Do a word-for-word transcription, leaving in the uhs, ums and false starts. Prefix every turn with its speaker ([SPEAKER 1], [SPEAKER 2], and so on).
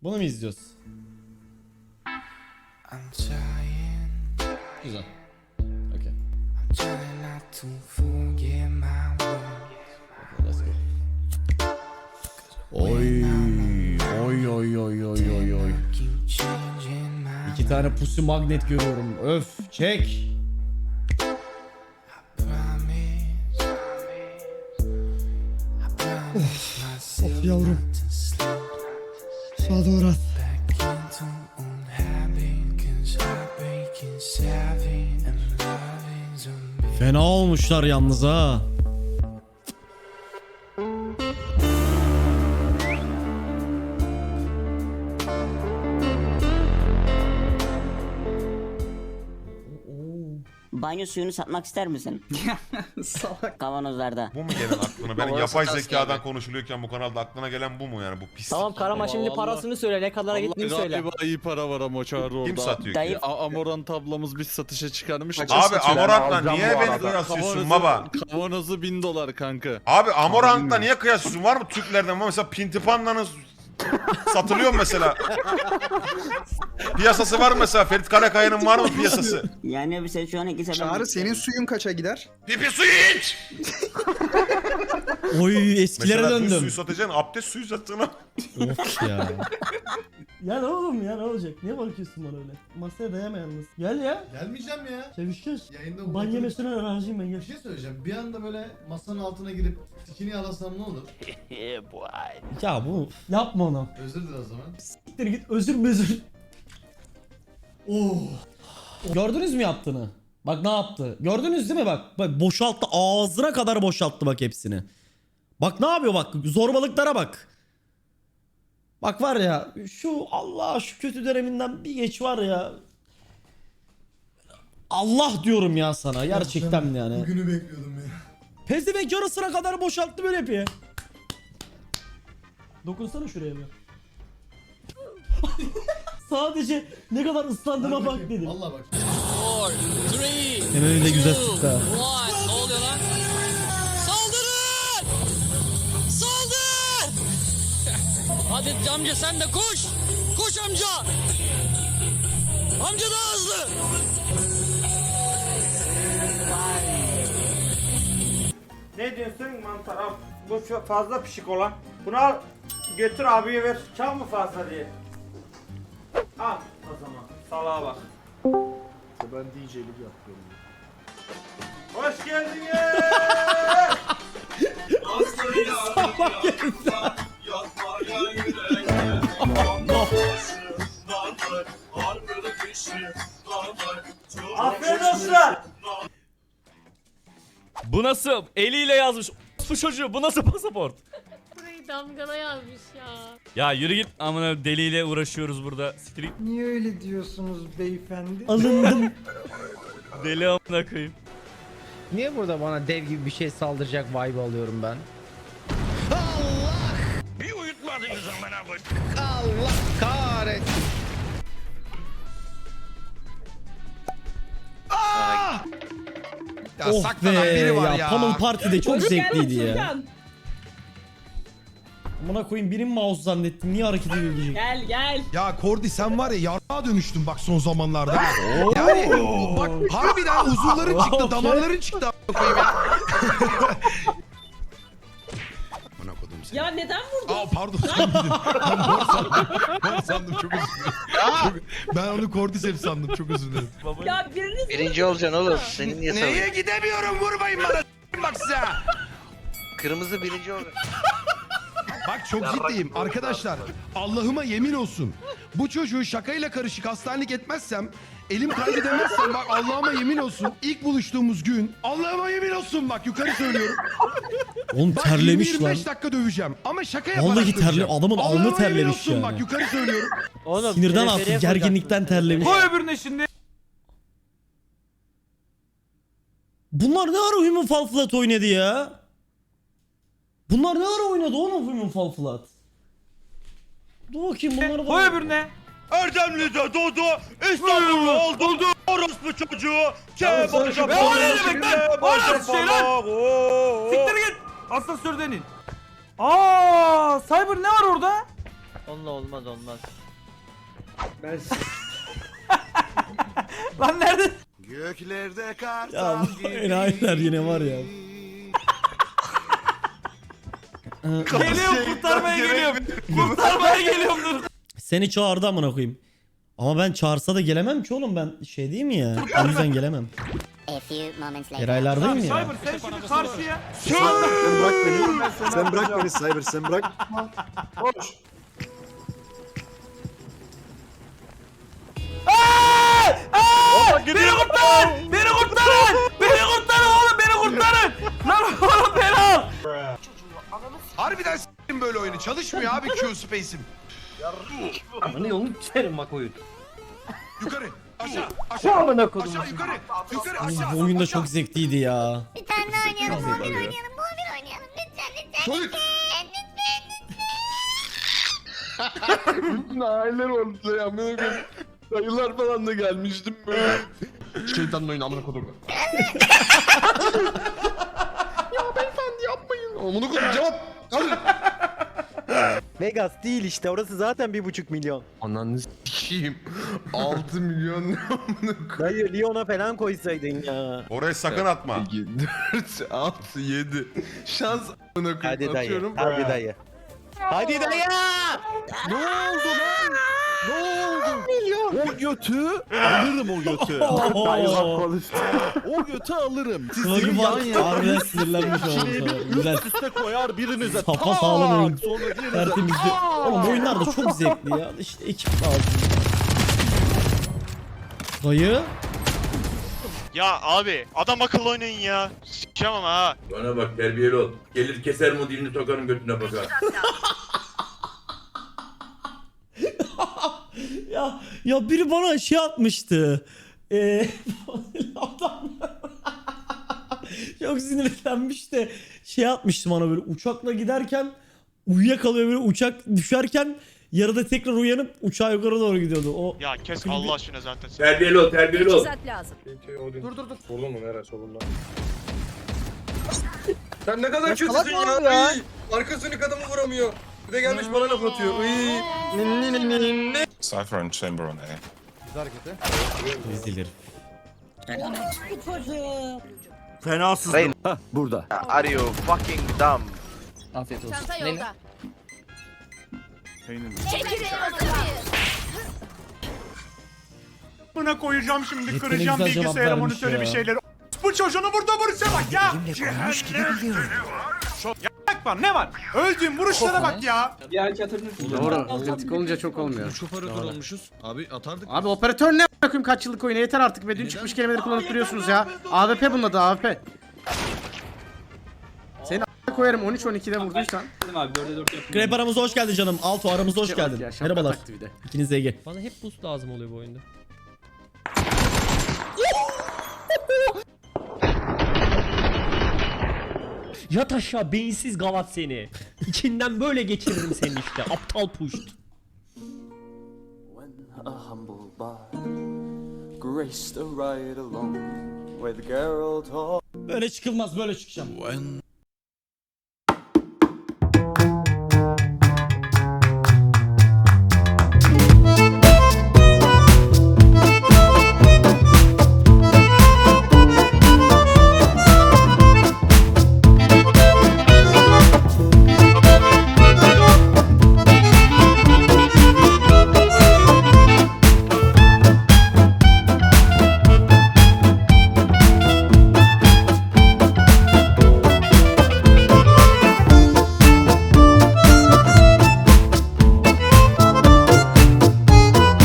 [SPEAKER 1] Bunu mu izliyoruz? Güzel. Okay. Let's go. Oy oy oy oy oy oy oy. İki tane pusu magnet görüyorum. Öf, çek. Of, of yavrum. Sağa doğru at. Fena olmuşlar yalnız ha.
[SPEAKER 2] Banyo suyunu satmak ister misin?
[SPEAKER 3] Salak.
[SPEAKER 2] Kavanozlarda.
[SPEAKER 4] Bu mu gelen aklına? Benim
[SPEAKER 3] Orası
[SPEAKER 4] yapay
[SPEAKER 3] tas
[SPEAKER 4] zekadan
[SPEAKER 3] geldi.
[SPEAKER 4] konuşuluyorken bu kanalda aklına gelen bu mu yani? Bu pis.
[SPEAKER 5] Tamam Karaman şimdi
[SPEAKER 3] Allah.
[SPEAKER 5] parasını söyle, ne kadara gittiğini söyle.
[SPEAKER 6] Galiba iyi para var ama çağrı orada.
[SPEAKER 4] Kim satıyor
[SPEAKER 2] Dayı-
[SPEAKER 4] ki?
[SPEAKER 6] A- Amorant ablamız biz satışa çıkarmış.
[SPEAKER 4] Abi Amorant'la
[SPEAKER 3] alacağım
[SPEAKER 4] niye
[SPEAKER 3] bu
[SPEAKER 4] beni
[SPEAKER 3] arada.
[SPEAKER 4] kıyaslıyorsun baba?
[SPEAKER 6] Kavanozu bin dolar kanka.
[SPEAKER 4] Abi Amorant'la niye kıyaslıyorsun? Var mı Türklerden? Mesela Pintipanda'nın satılıyor mu mesela? Piyasası var mı mesela? Ferit Karakaya'nın var mı piyasası?
[SPEAKER 2] Yani bir sen şu an iki sefer...
[SPEAKER 3] Çağrı senin suyun kaça gider?
[SPEAKER 4] Pipi suyu iç!
[SPEAKER 1] Oy, eskilere
[SPEAKER 4] Mesela düz
[SPEAKER 1] döndüm.
[SPEAKER 4] suyu satacaksın, abdest suyu sattığına.
[SPEAKER 1] Of ya.
[SPEAKER 7] Ya ne oğlum ya, ne olacak? Niye bakıyorsun bana öyle? Masaya dayama yalnız. Gel ya.
[SPEAKER 8] Gelmeyeceğim ya.
[SPEAKER 7] Sevişeceğiz.
[SPEAKER 8] Yayında
[SPEAKER 7] Ban
[SPEAKER 8] bu-
[SPEAKER 7] yemesine razıyım ben, gel.
[SPEAKER 8] Bir şey söyleyeceğim. Bir anda böyle masanın altına girip tikini yalasam ne olur?
[SPEAKER 1] Ya bu
[SPEAKER 7] Yapma onu.
[SPEAKER 8] Özür dilerim o zaman.
[SPEAKER 7] Siktir git, özür mezür. Oh.
[SPEAKER 1] gördünüz mü yaptığını? Bak ne yaptı? Gördünüz değil mi bak? Bak boşalttı, ağzına kadar boşalttı bak hepsini. Bak ne yapıyor bak, zorbalıklara bak. Bak var ya, şu Allah şu kötü döneminden bir geç var ya. Allah diyorum ya sana gerçekten yani.
[SPEAKER 8] Bugünü bekliyordum ya.
[SPEAKER 1] Pezevenk yarısına kadar boşalttı, böyle yapıyor.
[SPEAKER 7] Dokunsana şuraya bir. Sadece ne kadar ıslandığıma bak dedim.
[SPEAKER 8] Valla bak.
[SPEAKER 1] Hemen önünde güzel sıktı ha.
[SPEAKER 9] Ne oluyor lan? Saldırın! Saldır! Hadi amca sen de koş! Koş amca! Amca daha hızlı!
[SPEAKER 10] Ne diyorsun mantar al. Bu çok fazla pişik olan. Bunu al götür abiye ver. Çok mu fazla diye. Al o zaman. Salağa bak.
[SPEAKER 8] Ben D J'lik yapıyorum.
[SPEAKER 10] Hoş geldin. Aferin olsun.
[SPEAKER 11] Bu nasıl? Eliyle yazmış. Bu çocuğu bu nasıl pasaport?
[SPEAKER 9] Burayı damgala yazmış ya.
[SPEAKER 11] Ya yürü git, amına deliyle uğraşıyoruz burada. Siktir git.
[SPEAKER 3] Niye öyle diyorsunuz beyefendi?
[SPEAKER 1] Alındım.
[SPEAKER 11] Deli amına koyayım.
[SPEAKER 5] Niye burada bana dev gibi bir şey saldıracak vibe alıyorum ben?
[SPEAKER 9] Bir uyutmadınız amına koy.
[SPEAKER 5] Allah kahretsin.
[SPEAKER 1] Ya oh be ya, ya. Pummel Party'de çok zevkliydi ya. Amına koyayım, benim mouse zannettim. Niye hareket ediyor diyecek.
[SPEAKER 9] Gel gel.
[SPEAKER 8] Ya Kordi sen var ya yarrağa dönüştün bak son zamanlarda. Yani bak harbiden uzuvların çıktı, damarların çıktı a**a koyayım ya. Bana kodum seni.
[SPEAKER 9] Ya neden vurdun?
[SPEAKER 8] Aa pardon sen gidin. Ben mor sandım. Mor sandım çok özür dilerim. Çok- Ben onu Cordyceps sandım çok özür dilerim.
[SPEAKER 9] Ya biriniz
[SPEAKER 12] Birinci olacaksın oğlum. Senin niye
[SPEAKER 8] Neye
[SPEAKER 12] salıyorsun?
[SPEAKER 8] gidemiyorum vurmayın bana s**eyim bak size.
[SPEAKER 12] Kırmızı birinci olacaksın.
[SPEAKER 8] Bak çok ciddiyim arkadaşlar. Allah'ıma yemin olsun. Bu çocuğu şakayla karışık hastanelik etmezsem, elim kaydı demezsem bak Allah'ıma yemin olsun. İlk buluştuğumuz gün Allah'ıma yemin olsun bak yukarı söylüyorum.
[SPEAKER 1] Oğlum
[SPEAKER 8] Bak
[SPEAKER 1] terlemiş
[SPEAKER 8] yirmi
[SPEAKER 1] lan.
[SPEAKER 8] beş dakika döveceğim ama şaka yaparak
[SPEAKER 1] Vallahi terle,
[SPEAKER 8] döveceğim.
[SPEAKER 1] adamın alnı
[SPEAKER 8] Allah'ıma yemin
[SPEAKER 1] terlemiş
[SPEAKER 8] olsun
[SPEAKER 1] yani.
[SPEAKER 8] bak yukarı söylüyorum.
[SPEAKER 5] Oğlum,
[SPEAKER 1] Sinirden
[SPEAKER 5] teleferiye
[SPEAKER 1] artık,
[SPEAKER 5] koyacaksın.
[SPEAKER 1] gerginlikten terlemiş.
[SPEAKER 10] Koy öbürüne şimdi.
[SPEAKER 1] Bunlar ne ara Human Fall Flat oynadı ya? Bunlar ne ara oynadı oğlum Human Fall Flat? Dur bakayım bunları da...
[SPEAKER 10] Koy öbürüne.
[SPEAKER 11] Erdemli'de doğdu, İstanbul'da oldu, orospu çocuğu, kebapçı
[SPEAKER 10] Be o ne demek lan? O nasıl şey lan? Siktir git. Asansörden in. Aa, Cyber ne var orada?
[SPEAKER 5] Onunla olmaz olmaz.
[SPEAKER 10] Ben Lan nerede?
[SPEAKER 4] Göklerde kar.
[SPEAKER 1] Ya bu enayiler yine var ya.
[SPEAKER 10] Geliyorum kurtarmaya geliyorum. Kurtarmaya geliyorum dur.
[SPEAKER 1] Seni çağırdı amına koyayım. Ama ben çağırsa da gelemem ki oğlum, ben şey değil mi ya? O yüzden gelemem. Eraylardayım ya.
[SPEAKER 10] Cyber sen şimdi karşıya.
[SPEAKER 3] Sen bırak beni. Sen bırak beni Cyber, sen bırak.
[SPEAKER 10] Beni kurtarın! Beni kurtarın! Beni kurtarın oğlum beni kurtarın! Lan oğlum beni al!
[SPEAKER 8] Harbiden s**tim böyle oyunu. Çalışmıyor abi Q space'im.
[SPEAKER 5] Ama ne yolunu çerim bak oyun.
[SPEAKER 8] Yukarı. Aşağı. Aşağı.
[SPEAKER 5] Amına kodum.
[SPEAKER 8] Aşağı yukarı. Yukarı
[SPEAKER 1] Oğlum,
[SPEAKER 8] aşağı.
[SPEAKER 1] bu oyun da çok zevkliydi ya.
[SPEAKER 13] Bir tane daha oynayalım, bu oyun oynayalım, bu oyun oynayalım. Lütfen, lütfen,
[SPEAKER 8] Çocuk.
[SPEAKER 6] Bütün aileler orada ya. Dayılar falan da gelmiştim böyle.
[SPEAKER 8] Şeytanın oyunu amına kodum.
[SPEAKER 6] Ya beyefendi yapmayın. Amına kodum cevap.
[SPEAKER 8] Kalın.
[SPEAKER 5] Vegas değil işte, orası zaten bir buçuk milyon.
[SPEAKER 6] Ananı s**eyim. altı milyon ne amına kodum.
[SPEAKER 5] Dayı Lyon'a falan koysaydın ya.
[SPEAKER 4] Oraya sakın atma.
[SPEAKER 6] iki, dört, altı, yedi. Şans amına koyayım.
[SPEAKER 5] Hadi dayı,
[SPEAKER 6] Atıyorum.
[SPEAKER 5] hadi dayı. Hadi dayı! Ne oldu lan? Ne oldu? O götü alırım o götü. O götü alırım.
[SPEAKER 1] Kılıcı var. Harbiden sinirlenmiş oğlum. Güzel.
[SPEAKER 5] Üste koyar birinize.
[SPEAKER 1] Safa sağlam oyun.
[SPEAKER 5] Sonra diğerinize.
[SPEAKER 1] Tertemiz bir... Oğlum bu oyunlar da çok zevkli ya. İşte ekip lazım. Dayı.
[SPEAKER 11] Ya abi adam akıllı oynayın ya. S**eceğim ama ha.
[SPEAKER 14] Bana bak terbiyeli ol. Gelir keser mi dilini sokarım götüne bakar.
[SPEAKER 1] ya ya biri bana şey atmıştı. Ee, adam çok sinirlenmiş de şey atmıştı bana, böyle uçakla giderken uyuyakalıyor, böyle uçak düşerken yarıda tekrar uyanıp uçağa yukarı doğru gidiyordu. O
[SPEAKER 11] Ya kes Allah aşkına zaten.
[SPEAKER 14] Terbiyeli ol terbiyeli ol.
[SPEAKER 13] lazım.
[SPEAKER 3] Dur dur dur.
[SPEAKER 6] Solun mu nereye solunda?
[SPEAKER 3] Sen ne kadar kötüsün ya. ya. Arkasını adamı vuramıyor. Bir de gelmiş bana laf atıyor.
[SPEAKER 4] Cypher and Chamber on A.
[SPEAKER 1] Ezilir.
[SPEAKER 10] Fenasız.
[SPEAKER 5] Burada.
[SPEAKER 12] Are you fucking dumb?
[SPEAKER 5] Afiyet olsun.
[SPEAKER 13] Çanta yolda. Çekilin o zaman.
[SPEAKER 10] Buna koyacağım şimdi,
[SPEAKER 1] Yeteneğe
[SPEAKER 10] kıracağım
[SPEAKER 1] güzel cevap
[SPEAKER 10] bilgisayarı,
[SPEAKER 1] vermiş
[SPEAKER 10] monitörü
[SPEAKER 1] ya.
[SPEAKER 10] bir şeyleri. Bu çocuğunu burada vuruşa bak ya. Ya bak var ne var? Öldüğüm vuruşlara bak ya.
[SPEAKER 5] Doğru. Otomatik olunca çok olmuyor.
[SPEAKER 6] Üç operatör olmuşuz. Abi atardık.
[SPEAKER 5] Abi operatör ne a**ım, kaç yıllık oyunu, yeter artık be. Dün çıkmış kelimeleri kullanıp duruyorsunuz ya. A W P bunun adı, A W P. Seni a**a koyarım on üç on ikide vurduysan.
[SPEAKER 1] Grep aramıza hoş geldin canım. Alto aramıza hoş geldin.
[SPEAKER 5] Ya, şapka
[SPEAKER 1] Merhabalar.
[SPEAKER 5] taktı bir de.
[SPEAKER 1] İkiniz de Ege.
[SPEAKER 11] Bana hep boost lazım oluyor bu oyunda. Yat aşağı beyinsiz gavat seni. İçinden böyle geçiririm seni işte. Aptal puşt. Böyle çıkılmaz, böyle çıkacağım.